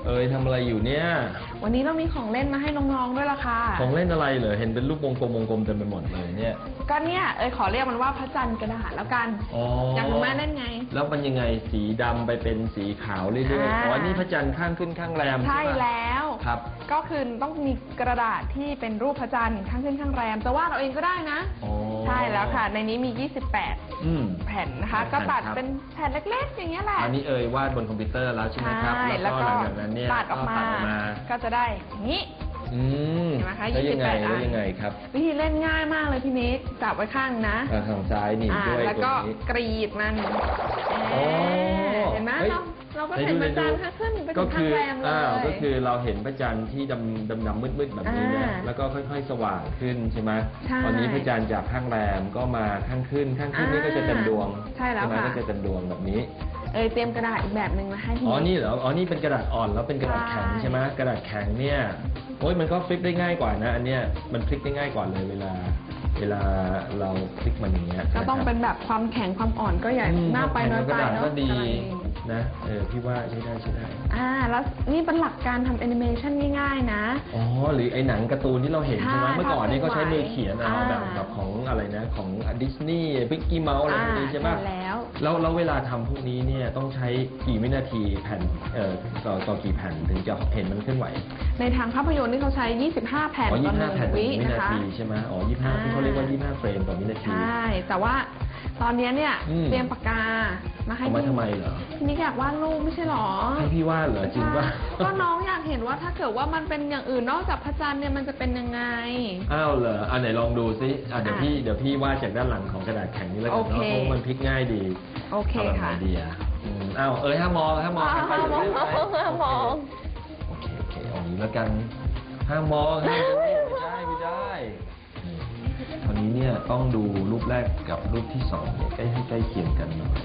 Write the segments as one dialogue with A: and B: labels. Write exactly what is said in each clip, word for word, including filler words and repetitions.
A: เอ๋ยทำอะไรอยู่เนี่ย
B: วันนี้เรามีของเล่นมาให้น้องๆด้วยล่ะค่ะ
A: ของเล่นอะไรเหรอเห็นเป็นรูปวงกลมวงกลมเต็มไปหมดเลยเนี่ย
B: ก็เนี่ยเอ๋ยขอเรียกมันว่าพระจันทร์กระดาษแล้วกันอยากรู้ไหมเล่นไง
A: แล้วมันยังไงสีดำไปเป็นสีขาวเรื่อยๆอ๋อนี่พระจันทร์ข้างขึ้นข้างแรม
B: ใช่แล้ว
A: ครับ
B: ก็คือต้องมีกระดาษที่เป็นรูปพระจันทร์ข้างขึ้นข้างแรมจะวาดเอาเองก็ได้นะใช่แล้วค่ะในนี้มียี่สิบแปดแผ่นนะคะก็ตัดเป็นแผ่นเล็กๆอย่างเงี้ยแหละ
A: อันนี้เอ๋ยวาดบนคอมพิวเตอร์แล้วใช่ไหมครับ
B: แล้วก็
A: หลังจากนั้นเนี่ย
B: ตัดออกมาก็จะได้อย่างนี้
A: อืม
B: เห็นไหมคะ
A: ยี่
B: สิบแปดอัน
A: ยังไงครับ
B: วิธีเล่นง่ายมากเลยพี่นิกจับไว้ข้างนะ
A: ทางซ้ายนี่ด้วย
B: แล้วก็กรีดมันเห็นไหมเราเราก็เห็นพระจันทร์ขึ้นไปถึงข้างแรมเลย
A: ก็คือเราเห็นพระจันทร์ที่ดำดำดำมืดมืดแบบนี้นะแล้วก็ค่อยๆสว่างขึ้นใช่ไหมตอนนี้พระจันทร์จากข้างแรมก็มาข้างขึ้นข้างขึ้นนี่ก็จะเต็มดวง
B: ใช่แล้วค่ะ
A: ก็จะเต็มดวงแบบนี้
B: เออเตรียมกระดาษอีกแบบหนึ่งมาให้พี่
A: อ๋อนี่เหรออ๋อนี่เป็นกระดาษอ่อนแล้วเป็นกระดาษแข็งใช่ไหมกระดาษแข็งเนี่ยโอ้ยมันก็ฟลิปได้ง่ายกว่านะอันเนี้ยมันพลิกได้ง่ายกว่าเลยเวลาเวลาเราพลิกมันอย่างเงี้ย
B: ก็ต้องเป็นแบบความแข็งความอ่อนก็ใหญ่มากไปน้อยไปเนาะ
A: ก็ดีนะเออพี่ว่าใช้ได้ใช้ได้
B: อ่าแล้วนี่เป็นหลักการทำแอนิเมชันง่ายๆนะ
A: อ๋อหรือไอ้หนังการ์ตูนที่เราเห็นใช่ไหมเมื่อก่อนนี่ก็ใช้มือเขียนเอาแบบแบบของอะไรนะของดิสนีย์พิกกี้เมาส์อะไรพวกนี้ใช่ไหม
B: แล้ว
A: แล้วแล้วเวลาทำพวกนี้เนี่ยต้องใช้กี่วินาทีแผ่นเอ่อต่อต่อกี่แผ่นถึงจะเห็นมันเคลื่อนไหว
B: ในทางภาพยนตร์นี่เขาใช้ยี่สิบห้าแผ่นต่อหนึ่งวินะคะ
A: ใช่ไหมอ๋อยี่สิบห้าที่เขาเรียกว่ายี่สิบห้าเฟรมต่อวินาที
B: ใช่แต่ว่าตอนนี้เนี่ยเตรียมปากกามาให้
A: พี่ทำไมเหรอ
B: พี่นิกอยากวาดรูปไม่ใช่หรอ
A: ให้พี่วาดเหรอจริงป่ะ
B: ก็น้องอยากเห็นว่าถ้าเกิดว่ามันเป็นอย่างอื่นนอกจากพระจันทร์เนี่ยมันจะเป็นยังไง
A: อ้าวเหรออันไหนลองดูซิอ่ะเดี๋ยวพี่เดี๋ยวพี่วาดจากด้านหลังของกระดาษแข็งนี่แล้วกันเนาะเพราะมันพลิกง่ายดี
B: โอเคค่ะ
A: ดีอ่ะอ้าวเอ้ยห้ามมองห้ามมองห้าม
B: มองห้ามมอง
A: โอเคโอเคเอางี้แล้วกันห้ามมองห้ามไม่ได้ไม่ได้ตอนนี้เนี่ยต้องดูรูปแรกกับรูปที่สองเนี่ยใกล้ให้ใกล้เคียงกันหน่อย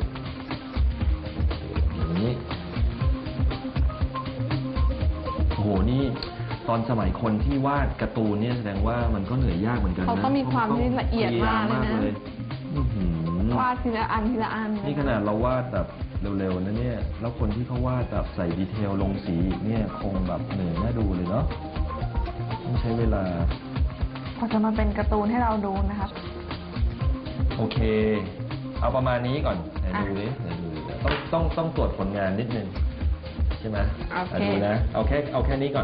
A: อย่างนี้โอ้โหนี่ตอนสมัยคนที่วาดการ์ตูนเนี่ยแสดงว่ามันก็เหนื่อยยากเหมือนกันนะ
B: เขาต้องมีความที่ละเอียดมากเลยนะวาดทีละอันทีละอัน
A: นี่ขนาดเราวาดแบบเร็วๆนะเนี่ยแล้วคนที่เขาวาดแบบใส่ดีเทลลงสีเนี่ยคงแบบเหนื่อยน่าดูเลยเนาะต้องใช้เวลา
B: พอจะมาเป็นการ์ตูนให้เราดูนะครับ
A: โอเคเอาประมาณนี้ก่อนไหนดูดิไหนดูต้องต้องต้องตรวจผลงานนิดนึงใช่ไหมดูนะเอาแค่เอาแค่นี้ก่อน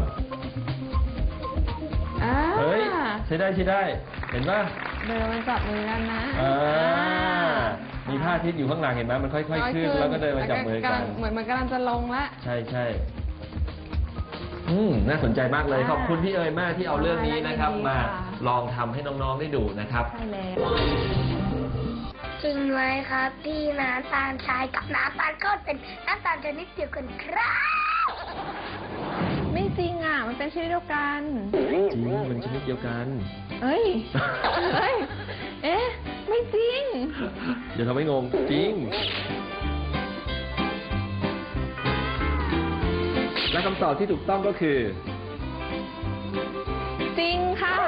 A: เฮ้ยใช้ได้ใช้ได้เห็นป่ะ
B: เดินมาจับมือกันนะ
A: มีผ้าทิศอยู่ข้างหลังเห็นไหมมันค่อยๆขึ้นแล้วก็เดินมาจับมือกัน
B: เหมือนมันกำลังจะลงละ
A: ใช่ใช่อืมน่าสนใจมากเลยขอบคุณพี่เอ๋ยมากที่เอาเรื่องนี้นะครับมาลองทำให้น้องๆได้ดูนะครับ
B: ใช่แล้ว
C: จริงไหมครับที่น้ำตาลทรายกับน้ำตาลก้อนเป็นน้ำตาลชนิดเดียวกันครับ
B: ไม่จริงอ่ะมันเป็นชนิดเดียวกัน
A: จริงมันชนิดเดียวกัน
B: เอ้ยเอ้ยเอ๊ะไม่จริง
A: อย่าทำให้งงจริงและคำตอบที่ถูกต้องก็คือ
B: จริงค่ะ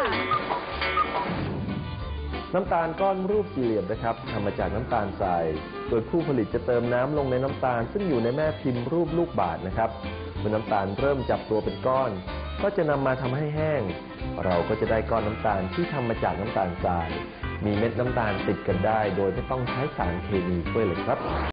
A: น้ำตาลก้อนรูปสี่เหลี่ยมนะครับทำมาจากน้ำตาลทรายโดยผู้ผลิตจะเติมน้ำลงในน้ำตาลซึ่งอยู่ในแม่พิมพ์รูปลูกบาศก์นะครับเมื่อน้ำตาลเริ่มจับตัวเป็นก้อนก็จะนำมาทำให้แห้งเราก็จะได้ก้อนน้ำตาลที่ทำมาจากน้ำตาลทรายมีเม็ดน้ำตาลติดกันได้โดยไม่ต้องใช้สารเคมีช่วยเลยครับ